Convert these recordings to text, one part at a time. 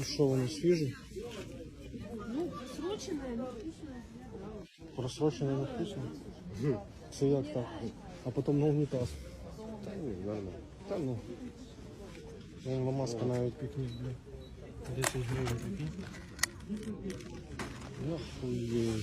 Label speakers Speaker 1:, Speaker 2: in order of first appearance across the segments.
Speaker 1: Що вони свіжі?
Speaker 2: Ну, просроченное, но вкусное.
Speaker 1: Просрочене не вкусно? Це як так? А потім на унітаз.
Speaker 3: Та ні, нормально.
Speaker 1: Та ну. Маска навіть пікнік, блядь. 10 гривень прикинь. Охуєть.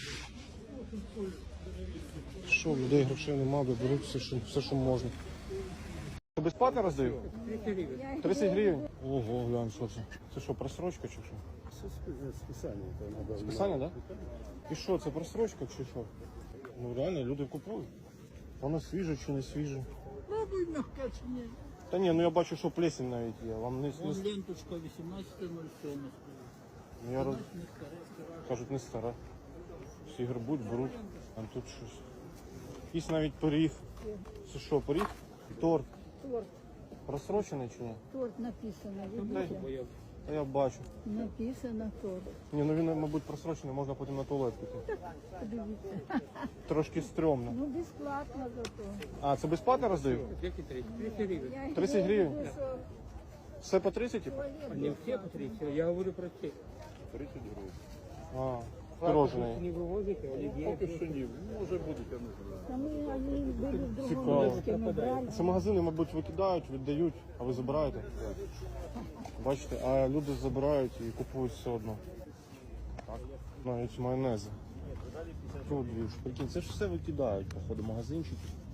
Speaker 1: Що, людей грошей нема, беруть все, що можна. Безплатно роздають? 30 гривень? Ого, глянь, що це? Це що, просрочка чи що?
Speaker 3: Списання.
Speaker 1: Списання, так? Да? І що, це просрочка чи що? Ну реально, люди купують. Воно свіже чи не свіже?
Speaker 4: Пробуй мягка чи ні.
Speaker 1: Та ні, ну я бачу, що плесень навіть є. Вам не...
Speaker 4: Вон ленточка 18.07.
Speaker 1: Ну, я роз... Кажуть, не стара. Всі грибуть, беруть, а тут щось. Є навіть пиріг. Це що, пиріг? Торт.
Speaker 5: Торт.
Speaker 1: Просрочений чи ні?
Speaker 5: Торт написано,
Speaker 1: Та,
Speaker 5: видите?
Speaker 1: та я бачу.
Speaker 5: Написано торт.
Speaker 1: Ні, ну він, мабуть, просрочений, можна потім на туалет піти.
Speaker 5: Подивіться.
Speaker 1: Трошки стрьомно.
Speaker 5: Ну, безплатно зато.
Speaker 1: А, це безплатно роздають? 30 гривень?
Speaker 5: говорю, що
Speaker 1: Все по 30, типу?
Speaker 6: Не все по 30, я говорю про те.
Speaker 3: 30 гривень.
Speaker 1: А, пирожний.
Speaker 6: Не вывозите, а людей.
Speaker 3: Поки що ні, може бути, я не знаю.
Speaker 5: там вони були в другому
Speaker 1: Цікаво.
Speaker 5: місці, ми брали.
Speaker 1: Це магазини, мабуть, викидають, віддають, а ви забираєте. Бачите, а люди забирають і купують все одно. Так. Навіть майонези. Тут двіж. Прикинь, це ж все викидають, походу, магазинчики.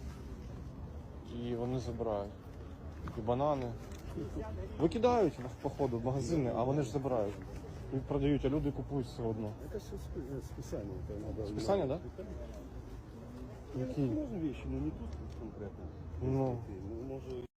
Speaker 1: І вони забирають. І банани. Викидають, походу, в магазини, а вони ж забирають. І продають, а люди купують все одно.
Speaker 3: Це ж списання.
Speaker 1: Списання, так? Да? Які?
Speaker 3: Можна вещи, но не тут конкретно.
Speaker 1: Ну.
Speaker 3: Може...